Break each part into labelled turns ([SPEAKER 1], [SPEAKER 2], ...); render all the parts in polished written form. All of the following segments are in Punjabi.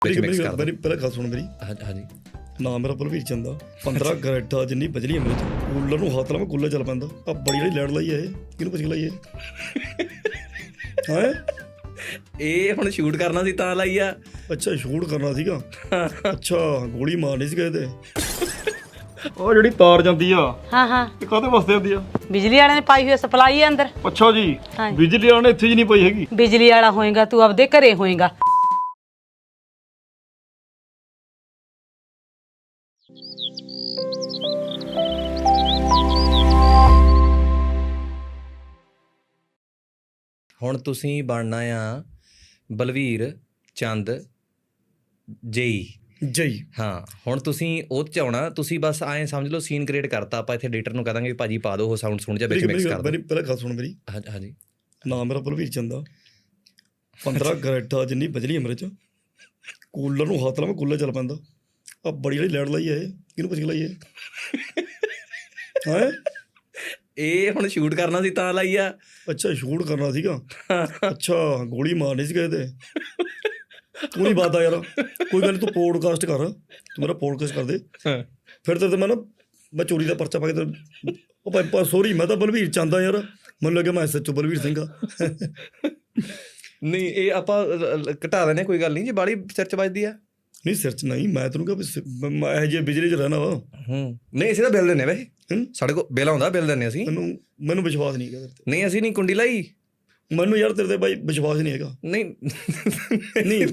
[SPEAKER 1] ਪਹਿਲਾਂ ਗੱਲ ਸੁਣ ਮੇਰੀ।
[SPEAKER 2] ਹਾਂਜੀ
[SPEAKER 1] ਨਾ ਮੇਰਾ ਬਲਵੀਰ ਚੰਦ ਆ 15 ਗਰੇਟਾ ਜਿੰਨੀ ਬਜਲੀ ਹੈ ਮੇਰੇ ਚ ਕੂਲਰ ਨੂੰ ਹੱਥ ਲਾਵਾਂ ਕੂਲਰ ਚੱਲ ਪੈਂਦਾ ਆ ਬੜੀ ਜਿਹੜੀ ਲੈਣ ਲਾਈ ਹੈ ਇਹ ਕਿਹਨੂੰ ਪੁੱਛ ਲਾਈ ਹੈ
[SPEAKER 2] ਇਹ ਹੁਣ ਸ਼ੂਟ ਕਰਨਾ ਸੀ ਤਾਂ ਲਾਈ ਆ।
[SPEAKER 1] ਅੱਛਾ ਸ਼ੂਟ ਕਰਨਾ ਸੀਗਾ। ਅੱਛਾ ਗੋਲੀ ਮਾਰਨੀ ਸੀ ਕਿਤੇ ਉਹ ਜਿਹੜੀ ਤਾਰ ਜਾਂਦੀ ਆ
[SPEAKER 3] ਹਾਂ
[SPEAKER 1] ਇਹ ਕਾਹਦੇ ਵਾਸਤੇ ਆਉਂਦੀ ਆ?
[SPEAKER 3] ਬਿਜਲੀ ਵਾਲਿਆਂ ਨੇ ਪਾਈ ਹੋਈ ਸਪਲਾਈ ਹੈ ਅੰਦਰ।
[SPEAKER 1] ਅੱਛਾ ਜੀ
[SPEAKER 3] ਹਾਂਜੀ।
[SPEAKER 1] ਬਿਜਲੀ ਵਾਲੇ ਇੱਥੇ ਜੀ ਨਹੀਂ ਪਈ ਹੈਗੀ।
[SPEAKER 3] ਬਿਜਲੀ ਵਾਲਾ ਹੋਏਗਾ ਤੂੰ ਆਪਦੇ ਘਰੇ ਹੋਏਗਾ।
[SPEAKER 2] ਹੁਣ ਤੁਸੀਂ ਬਣਨਾ ਆ ਬਲਵੀਰ ਚੰਦ ਜੇਈ।
[SPEAKER 1] ਜਈ
[SPEAKER 2] ਹਾਂ ਹੁਣ ਤੁਸੀਂ ਉਹ 'ਚ ਆਉਣਾ। ਤੁਸੀਂ ਬਸ ਐਂ ਸਮਝ ਲਓ ਸੀਨ ਕ੍ਰੀਏਟ ਕਰਤਾ। ਆਪਾਂ ਇੱਥੇ ਐਡੀਟਰ ਨੂੰ ਕਹਾਂਗੇ ਵੀ ਭਾਜੀ ਪਾ ਦਿਓ ਉਹ ਸਾਊਂਡ ਸੁਣ ਜਾ ਵਿੱਚ ਮਿਕਸ ਕਰ ਦਿਓ।
[SPEAKER 1] ਪਹਿਲਾਂ ਗੱਲ ਸੁਣ ਮੇਰੀ।
[SPEAKER 2] ਹਾਂਜੀ
[SPEAKER 1] ਨਾ ਮੇਰਾ ਬਲਵੀਰ ਚੰਦ ਆ 15 ਗਰੇਟਾ ਜਿੰਨੀ ਬਜਲੀ ਹੈ ਮੇਰੇ ਚ ਕੂਲਰ ਨੂੰ ਹੱਥ ਲਾਵਾਂ ਕੂਲਰ ਚੱਲ ਪੈਂਦਾ ਆ ਬੜੀ ਜਿਹੜੀ ਲੈਣ ਲਾਈ ਹੈ ਇਹ ਕਿਹਨੂੰ ਪੁੱਛ ਲਾਈ ਹੈ
[SPEAKER 2] ਇਹ ਹੁਣ ਸ਼ੂਟ ਕਰਨਾ ਸੀ ਤਾਂ ਲਾਈ ਆ।
[SPEAKER 1] ਅੱਛਾ ਸ਼ੂਟ ਕਰਨਾ ਸੀਗਾ। ਅੱਛਾ ਗੋਲੀ ਮਾਰਨੀ ਸੀ ਕਿਤੇ ਤੂੰ ਨਹੀਂ ਬਾਤ ਆ ਯਾਰ ਕੋਈ ਗੱਲ ਨੀ ਤੂੰ ਪੋਡਕਾਸਟ ਕਰ ਤੂੰ ਮੇਰਾ ਪੋਡਕਾਸਟ ਕਰ ਦੇ ਫਿਰ ਤੇ ਮੈਂ ਚੋਰੀ ਦਾ ਪਰਚਾ ਪਾ ਕੇ ਉਹ ਸੋਰੀ ਮੈਂ ਤਾਂ ਬਲਵੀਰ ਚੰਦ ਆ ਯਾਰ ਮੈਨੂੰ ਲੱਗਿਆ ਮੈਂ SHO ਬਲਵੀਰ ਸਿੰਘ ਆ।
[SPEAKER 2] ਨਹੀਂ ਇਹ ਆਪਾਂ ਘਟਾ ਲੈਣੇ ਕੋਈ ਗੱਲ ਨਹੀਂ ਜੇ ਬਾਹਲੀ ਸਿਰ 'ਚ ਵੱਜਦੀ ਆ।
[SPEAKER 1] ਨਹੀਂ ਸਿਰ 'ਚ ਨਹੀਂ ਮੈਂ ਤੈਨੂੰ ਕਿਹਾ ਮੈਂ ਇਹੋ ਜਿਹੇ ਬਿਜਲੀ 'ਚ ਰਹਿਣਾ ਵਾ।
[SPEAKER 2] ਨਹੀਂ ਅਸੀਂ ਤਾਂ ਬਿੱਲ ਦਿੰਦੇ ਵੈਸੇ ਸਾਡੇ ਕੋਲ ਬਿੱਲ ਆਉਂਦਾ ਬਿੱਲ ਦਿੰਦੇ ਅਸੀਂ।
[SPEAKER 1] ਮੈਨੂੰ ਵਿਸ਼ਵਾਸ ਨਹੀਂ ਹੈਗਾ ਤੇਰੇ ਤੇ।
[SPEAKER 2] ਨਹੀਂ ਅਸੀਂ ਨਹੀਂ ਕੁੰਡੀ ਲਾਈ।
[SPEAKER 1] ਮੈਨੂੰ ਯਾਰ ਤੇਰੇ ਤੇ ਬਾਈ ਵਿਸ਼ਵਾਸ ਨਹੀਂ ਹੈਗਾ।
[SPEAKER 2] ਨਹੀਂ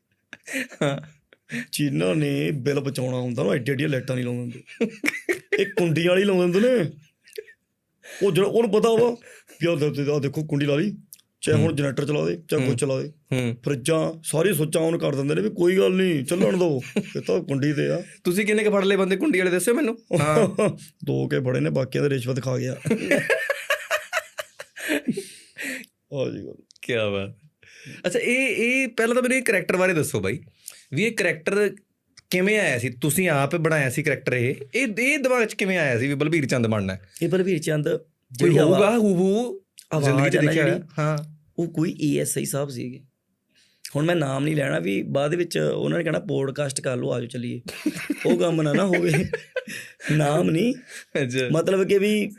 [SPEAKER 1] ਜਿਨ੍ਹਾਂ ਨੇ ਬਿੱਲ ਬਚਾਉਣਾ ਹੁੰਦਾ ਨਾ ਐਡੀਆਂ ਲਾਈਟਾਂ ਨਹੀਂ ਲਾਉਂਦੇ ਹੁੰਦੇ ਇਹ ਕੁੰਡੀਆਂ ਵਾਲੀ ਲਾਉਂਦੇ ਹੁੰਦੇ ਨੇ। ਉਹ ਜਿਹੜਾ ਉਹਨੂੰ ਪਤਾ ਵਾ ਵੀ ਆਹ ਦੇਖੋ ਕੁੰਡੀ ਲਾ ਲਈ ਚਾਹੇ ਹੁਣ ਜਨਰੇਟਰ ਚਲਾ ਦੇ ਚਾਹੇ ਕੁਛ ਚਲਾ ਦੇ ਫਰਿੱਜਾਂ ਸਾਰੀ ਸੁੱਚਾਂ ਔਨ ਕਰ ਦਿੰਦੇ ਨੇ ਵੀ ਕੋਈ ਗੱਲ ਨਹੀਂ ਚੱਲਣ ਦਿਓ ਇਹ ਤਾਂ ਕੁੰਡੀ ਤੇ ਆ।
[SPEAKER 2] ਤੁਸੀਂ ਕਿੰਨੇ ਕੁ ਫੜ ਲਏ ਬੰਦੇ ਕੁੰਡੀ ਵਾਲੇ ਦੱਸਿਓ ਮੈਨੂੰ।
[SPEAKER 1] 2 ਕੇ ਬੜੇ ਨੇ ਬਾਕੀਆਂ ਦੇ ਰਿਸ਼ਵਤ ਖਾ ਗਿਆ। ਹਾਂਜੀ
[SPEAKER 2] ਕੀ ਬਾਤ। ਅੱਛਾ ਇਹ ਪਹਿਲਾਂ ਤਾਂ ਮੈਨੂੰ ਇਹ ਕਰੈਕਟਰ ਬਾਰੇ ਦੱਸੋ ਬਾਈ ਵੀ ਇਹ ਕਰੈਕਟਰ ਕਿਵੇਂ ਆਇਆ ਸੀ? ਤੁਸੀਂ ਆਪ ਬਣਾਇਆ ਸੀ ਕਰੈਕਟਰ? ਇਹ ਦਿਮਾਗ 'ਚ ਕਿਵੇਂ ਆਇਆ ਸੀ ਵੀ ਬਲਵੀਰ ਚੰਦ ਬਣਨਾ?
[SPEAKER 1] ਇਹ ਬਲਵੀਰ ਚੰਦ
[SPEAKER 2] ਕੋਈ ਹੋਊਗਾ ਹੂਬੂ ਜ਼ਿੰਦਗੀ 'ਚ ਦੇਖਿਆ? ਹਾਂ
[SPEAKER 1] ਉਹ ਕੋਈ ASI ਸਾਹਿਬ ਸੀਗੇ। ਹੁਣ ਮੈਂ ਨਾਮ ਨਹੀਂ ਲੈਣਾ ਵੀ ਬਾਅਦ ਵਿੱਚ ਉਹਨਾਂ ਨੇ ਕਹਿਣਾ ਪੋਡਕਾਸਟ ਕਰ ਲਓ ਆਜੋ ਚੱਲੀਏ ਉਹ ਕੰਮ ਨਾ ਹੋਵੇ। ਨਾਮ ਨਹੀਂ ਮਤਲਬ ਕਿ ਵੀ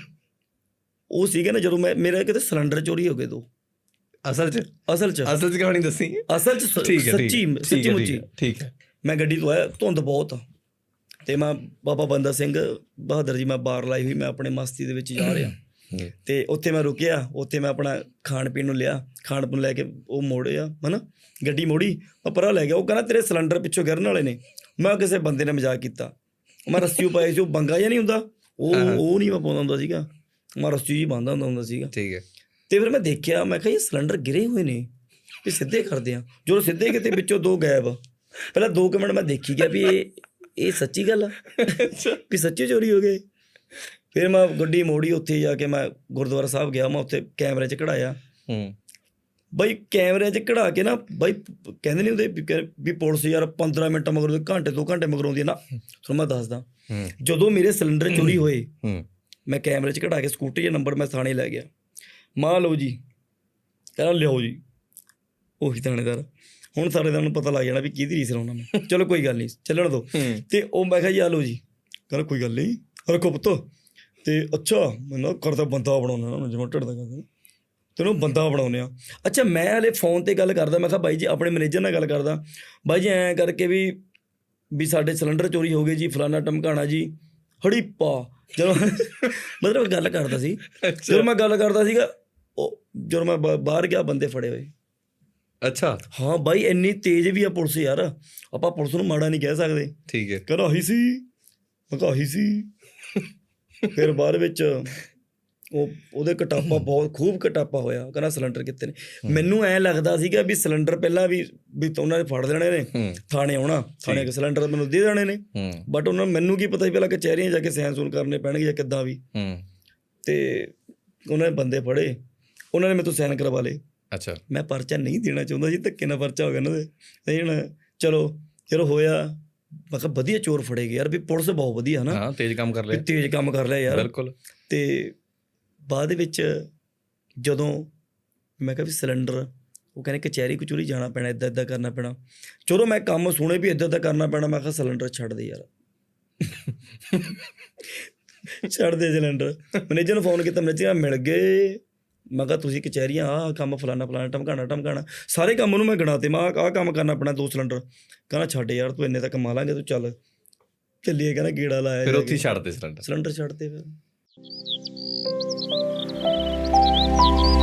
[SPEAKER 1] ਉਹ ਸੀਗੇ ਨਾ ਜਦੋਂ ਮੇਰਾ ਕਿਤੇ ਸਿਲੰਡਰ ਚੋਰੀ ਹੋ ਗਏ ਦੋ। ਅਸਲ 'ਚ
[SPEAKER 2] ਕਹਾਣੀ ਦੱਸੀ।
[SPEAKER 1] ਅਸਲ 'ਚ ਸੱਚੀ ਮੁੱਚੀ
[SPEAKER 2] ਠੀਕ ਹੈ।
[SPEAKER 1] ਮੈਂ ਗੱਡੀ ਤੋਂ ਆਇਆ ਧੁੰਦ ਬਹੁਤ ਅਤੇ ਮੈਂ ਬਾਬਾ ਬੰਦਾ ਸਿੰਘ ਬਹਾਦਰ ਜੀ ਮੈਂ ਬਾਰ ਲਾਈ ਹੋਈ ਮੈਂ ਆਪਣੇ ਮਸਤੀ ਦੇ ਵਿੱਚ ਜਾ ਰਿਹਾ ਅਤੇ ਉੱਥੇ ਮੈਂ ਰੁਕਿਆ ਉੱਥੇ ਮੈਂ ਆਪਣਾ ਖਾਣ ਪੀਣ ਨੂੰ ਲਿਆ ਖਾਣ ਪੀਣ ਲੈ ਕੇ ਉਹ ਮੋੜਿਆ ਹੈ ਨਾ ਗੱਡੀ ਮੋੜੀ ਮੈਂ ਪਰਾਂ ਲੈ ਗਿਆ। ਉਹ ਕਹਿੰਦਾ ਤੇਰੇ ਸਿਲੰਡਰ ਪਿੱਛੋਂ ਗਿਰਨ ਵਾਲੇ ਨੇ। ਮੈਂ ਕਿਸੇ ਬੰਦੇ ਨੇ ਮਜ਼ਾਕ ਕੀਤਾ ਮੈਂ ਰੱਸੀ ਪਾਈ ਸੀ ਉਹ ਬੰਗਾ ਜਿਹਾ ਨਹੀਂ ਹੁੰਦਾ ਉਹ ਨਹੀਂ ਮੈਂ ਪਾਉਂਦਾ ਹੁੰਦਾ ਸੀਗਾ ਮੈਂ ਰੱਸੀ ਜਿਹੀ ਬੰਨ੍ਹਦਾ ਹੁੰਦਾ ਸੀਗਾ।
[SPEAKER 2] ਠੀਕ ਹੈ।
[SPEAKER 1] ਅਤੇ ਫਿਰ ਮੈਂ ਦੇਖਿਆ ਮੈਂ ਕਿਹਾ ਇਹ ਸਿਲੰਡਰ ਗਿਰੇ ਹੋਏ ਨੇ ਵੀ ਸਿੱਧੇ ਕਰਦੇ ਹਾਂ ਜਦੋਂ ਸਿੱਧੇ ਕਿਤੇ ਵਿੱਚੋਂ 2 ਗਾਇਬ। ਪਹਿਲਾਂ 2 ਮਿੰਟ ਮੈਂ ਦੇਖੀ ਗਿਆ ਵੀ ਇਹ ਸੱਚੀ ਗੱਲ ਆ ਵੀ ਸੱਚੀ ਚੋਰੀ ਹੋ ਗਏ। ਫਿਰ ਮੈਂ ਗੱਡੀ ਮੋੜੀ ਉੱਥੇ ਜਾ ਕੇ ਮੈਂ ਗੁਰਦੁਆਰਾ ਸਾਹਿਬ ਗਿਆ ਮੈਂ ਉੱਥੇ ਕੈਮਰੇ 'ਚ ਕਢਾਇਆ। ਬਾਈ ਕੈਮਰੇ 'ਚ ਕਢਾ ਕੇ ਨਾ ਬਾਈ ਕਹਿੰਦੇ ਨਹੀਂ ਹੁੰਦੇ ਵੀ ਪੁਲਿਸ ਯਾਰ 15 ਮਿੰਟ ਮਗਰੋਂ ਘੰਟੇ 2 ਘੰਟੇ ਮਗਰੋਂ ਆਉਂਦੀ ਹੈ ਨਾ। ਤੁਹਾਨੂੰ ਮੈਂ ਦੱਸਦਾ ਜਦੋਂ ਮੇਰੇ ਸਿਲੰਡਰ ਚੋਰੀ ਹੋਏ ਮੈਂ ਕੈਮਰੇ 'ਚ ਕਢਾ ਕੇ ਸਕੂਟਰੀ ਦਾ ਨੰਬਰ ਮੈਂ ਥਾਣੇ ਲੈ ਗਿਆ। ਮਾਂ ਲਓ ਜੀ ਕਹਿੰਦਾ ਲਿਆਓ ਜੀ ਉਹੀ ਥਾਣੇਦਾਰ। ਹੁਣ ਥਾਣੇਦਾਰ ਨੂੰ ਪਤਾ ਲੱਗ ਜਾਣਾ ਵੀ ਕਿਹਦੀ ਰੀਸ ਲਾਉਣਾ ਮੈਂ। ਚਲੋ ਕੋਈ ਗੱਲ ਨਹੀਂ ਚੱਲਣ ਦਿਓ। ਅਤੇ ਉਹ ਮੈਂ ਕਿਹਾ ਜੀ ਆ ਲਓ ਜੀ ਕਹਿੰਦਾ ਕੋਈ ਗੱਲ ਨਹੀਂ ਰੱਖੋ ਪੁੱਤ। ਅਤੇ ਅੱਛਾ ਮੈਨੂੰ ਕਰਦਾ ਬੰਦਾ ਬਣਾਉਂਦਾ ਨਾ ਜਿਵੇਂ ਢਿੱਡ ਦਾ ਕਹਿੰਦੇ ਤੈਨੂੰ ਬੰਦਾ ਬਣਾਉਂਦੇ ਆ। ਅੱਛਾ ਮੈਂ ਹਾਲੇ ਫੋਨ 'ਤੇ ਗੱਲ ਕਰਦਾ ਮੈਂ ਕਿਹਾ ਬਾਈ ਜੀ ਆਪਣੇ ਮੈਨੇਜਰ ਨਾਲ ਗੱਲ ਕਰਦਾ ਬਾਈ ਜੀ ਐਂ ਕਰਕੇ ਵੀ ਸਾਡੇ ਸਿਲੰਡਰ ਚੋਰੀ ਹੋ ਗਏ ਜੀ ਫਲਾਨਾ ਟਮਕਾਣਾ ਜੀ ਹੜੀਪਾ ਜਦੋਂ ਮਤਲਬ ਗੱਲ ਕਰਦਾ ਸੀ। ਜਦੋਂ ਮੈਂ ਗੱਲ ਕਰਦਾ ਸੀਗਾ ਉਹ ਜਦੋਂ ਮੈਂ ਬਾਹਰ ਗਿਆ ਬੰਦੇ ਫੜੇ ਹੋਏ। ਅੱਛਾ ਹਾਂ ਬਾਈ ਇੰਨੀ ਤੇਜ਼ ਵੀ ਆ ਪੁਲਿਸ ਯਾਰ ਆਪਾਂ ਪੁਲਿਸ ਨੂੰ ਮਾੜਾ ਨਹੀਂ ਕਹਿ ਸਕਦੇ।
[SPEAKER 2] ਠੀਕ ਹੈ।
[SPEAKER 1] ਕਹਿੰਦਾ ਆਹੀ ਸੀ ਮੈਂ ਕਿਹਾ ਆਹੀ ਸੀ। ਫਿਰ ਬਾਅਦ ਵਿੱਚ ਉਹਦੇ ਕਟਾਪਾ ਬਹੁਤ ਖੂਬ ਕਟਾਪਾ ਹੋਇਆ ਕਹਿੰਦਾ ਸਿਲੰਡਰ ਕਿੱਥੇ ਨੇ। ਮੈਨੂੰ ਐਂ ਲੱਗਦਾ ਸੀਗਾ ਵੀ ਸਿਲੰਡਰ ਪਹਿਲਾਂ ਵੀ ਉਹਨਾਂ ਨੇ ਫੜ ਲੈਣੇ ਨੇ ਥਾਣੇ ਆਉਣਾ ਥਾਣੇ ਸਿਲੰਡਰ ਮੈਨੂੰ ਦੇ ਦੇਣੇ ਨੇ ਬਟ ਉਹਨਾਂ ਨੂੰ ਮੈਨੂੰ ਕੀ ਪਤਾ ਸੀ ਪਹਿਲਾਂ ਕਚਹਿਰੀਆਂ ਜਾ ਕੇ ਸਾਈਨ ਸੂਨ ਕਰਨੇ ਪੈਣਗੇ ਜਾਂ ਕਿੱਦਾਂ ਵੀ। ਅਤੇ ਉਹਨਾਂ ਨੇ ਬੰਦੇ ਫੜੇ ਉਹਨਾਂ ਨੇ ਮੇਰੇ ਤੋਂ ਸਾਈਨ ਕਰਵਾ ਲਏ। ਅੱਛਾ ਮੈਂ ਪਰਚਾ ਨਹੀਂ ਦੇਣਾ ਚਾਹੁੰਦਾ ਜੀ ਧੱਕੇ ਨਾਲ ਪਰਚਾ ਹੋ ਗਿਆ ਉਹਨਾਂ ਦੇ ਨਹੀਂ ਹੁਣ ਚਲੋ ਹੋਇਆ। ਮੈਂ ਕਿਹਾ ਵਧੀਆ ਚੋਰ ਫੜੇ ਗਏ ਯਾਰ ਵੀ ਪੁਲਿਸ ਬਹੁਤ ਵਧੀਆ ਹੈ ਨਾ ਤੇਜ਼ ਕੰਮ ਕਰ ਲਿਆ ਯਾਰ ਬਿਲਕੁਲ। ਅਤੇ ਬਾਅਦ ਵਿੱਚ ਜਦੋਂ ਮੈਂ ਕਿਹਾ ਵੀ ਸਿਲੰਡਰ ਉਹ ਕਹਿੰਦੇ ਕਚਹਿਰੀ ਕਚੂਰੀ ਜਾਣਾ ਪੈਣਾ, ਇੱਦਾਂ ਇੱਦਾਂ ਕਰਨਾ ਪੈਣਾ। ਚਲੋ ਮੈਂ ਕੰਮ ਸੁਣੇ ਵੀ ਇੱਦਾਂ ਇੱਦਾਂ ਕਰਨਾ ਪੈਣਾ, ਮੈਂ ਕਿਹਾ ਸਿਲੰਡਰ ਛੱਡ ਦੇ ਯਾਰ ਛੱਡ ਦੇ ਸਿਲੰਡਰ। ਮੈਨੇਜਰ ਨੂੰ ਫੋਨ ਕੀਤਾ, ਮੈਨੇਜਰ ਮਿਲ ਗਏ। ਮੈਂ ਕਿਹਾ ਤੁਸੀਂ ਕਚਹਿਰੀਆਂ ਆਹ ਕੰਮ ਫਲਾਣਾ ਫਲਾਣਾ ਟਮਕਾਣਾ ਸਾਰੇ ਕੰਮ ਉਹਨੂੰ ਮੈਂ ਗਿਣਾਤੇ। ਮੈਂ ਆਹ ਕੰਮ ਕਰਨਾ ਪੈਣਾ 2 ਸਿਲੰਡਰ। ਕਹਿੰਦਾ ਛੱਡ ਯਾਰ ਤੂੰ ਇੰਨੇ ਤਾਂ ਕਮਾ ਲਾਂਗੇ, ਤੂੰ ਚੱਲ ਚੱਲੀਏ। ਕਹਿੰਦਾ ਗੇੜਾ ਲਾਇਆ,
[SPEAKER 2] ਫਿਰ ਉੱਥੇ ਛੱਡਦੇ ਸਿਲੰਡਰ
[SPEAKER 1] ਛੱਡਤੇ ਫਿਰ।